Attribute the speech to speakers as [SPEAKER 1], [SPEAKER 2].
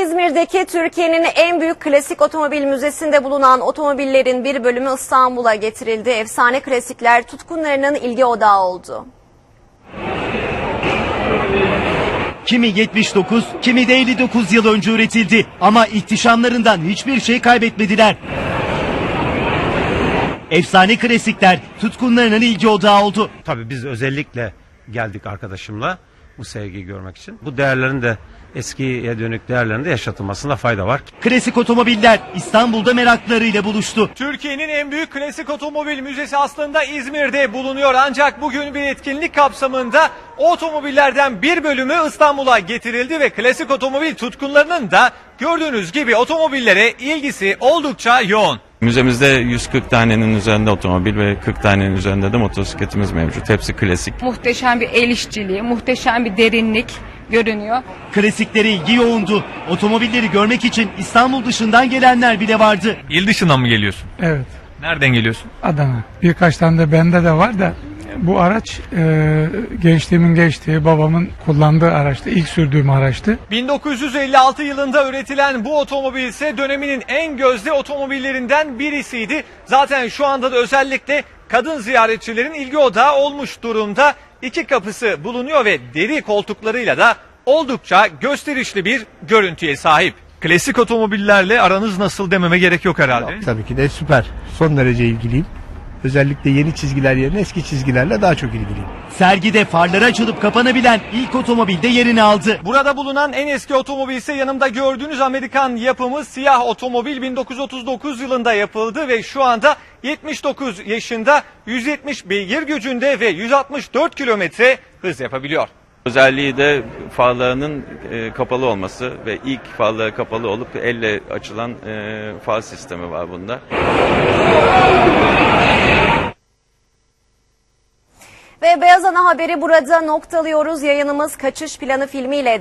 [SPEAKER 1] İzmir'deki Türkiye'nin en büyük klasik otomobil müzesinde bulunan otomobillerin bir bölümü İstanbul'a getirildi. Efsane klasikler tutkunlarının ilgi odağı oldu.
[SPEAKER 2] Kimi 79, kimi de 59 yıl önce üretildi ama ihtişamlarından hiçbir şey kaybetmediler. Efsane klasikler tutkunlarının ilgi odağı oldu.
[SPEAKER 3] Tabii biz özellikle geldik arkadaşımla bu sevgiyi görmek için. Bu değerlerin de eskiye dönük değerlerin de yaşatılmasında fayda var.
[SPEAKER 2] Klasik otomobiller İstanbul'da meraklarıyla buluştu.
[SPEAKER 4] Türkiye'nin en büyük klasik otomobil müzesi aslında İzmir'de bulunuyor. Ancak bugün bir etkinlik kapsamında o otomobillerden bir bölümü İstanbul'a getirildi ve klasik otomobil tutkunlarının da gördüğünüz gibi otomobillere ilgisi oldukça yoğun.
[SPEAKER 5] Müzemizde 140 tanenin üzerinde otomobil ve 40 tanenin üzerinde de motosikletimiz mevcut. Hepsi klasik.
[SPEAKER 6] Muhteşem bir el işçiliği, muhteşem bir derinlik görünüyor.
[SPEAKER 2] Klasiklere ilgi yoğundu. Otomobilleri görmek için İstanbul dışından gelenler bile vardı.
[SPEAKER 4] İl dışından mı geliyorsun?
[SPEAKER 7] Evet,
[SPEAKER 4] Nereden geliyorsun?
[SPEAKER 7] Adana. Birkaç tane de bende de var da bu araç gençliğimin geçtiği, babamın kullandığı araçtı. İlk sürdüğüm araçtı.
[SPEAKER 4] 1956 yılında üretilen bu otomobil ise döneminin en gözde otomobillerinden birisiydi. Zaten şu anda da özellikle kadın ziyaretçilerin ilgi odağı olmuş durumda. İki kapısı bulunuyor ve deri koltuklarıyla da oldukça gösterişli bir görüntüye sahip. Klasik otomobillerle aranız nasıl dememe gerek yok herhalde.
[SPEAKER 8] Tabii ki de süper. Son derece ilgiliyim. Özellikle yeni çizgiler yerine eski çizgilerle daha çok ilgiliyim.
[SPEAKER 2] Sergide farları açılıp kapanabilen ilk otomobil de yerini aldı.
[SPEAKER 4] Burada bulunan en eski otomobil ise yanımda gördüğünüz Amerikan yapımı siyah otomobil 1939 yılında yapıldı ve şu anda 79 yaşında 170 beygir gücünde ve 164 kilometre hız yapabiliyor.
[SPEAKER 5] Özelliği de farlarının kapalı olması ve ilk farları kapalı olup elle açılan far sistemi var bunda.
[SPEAKER 1] Ve Beyaz Ana haberi burada noktalıyoruz. Yayınımız Kaçış Planı filmiyle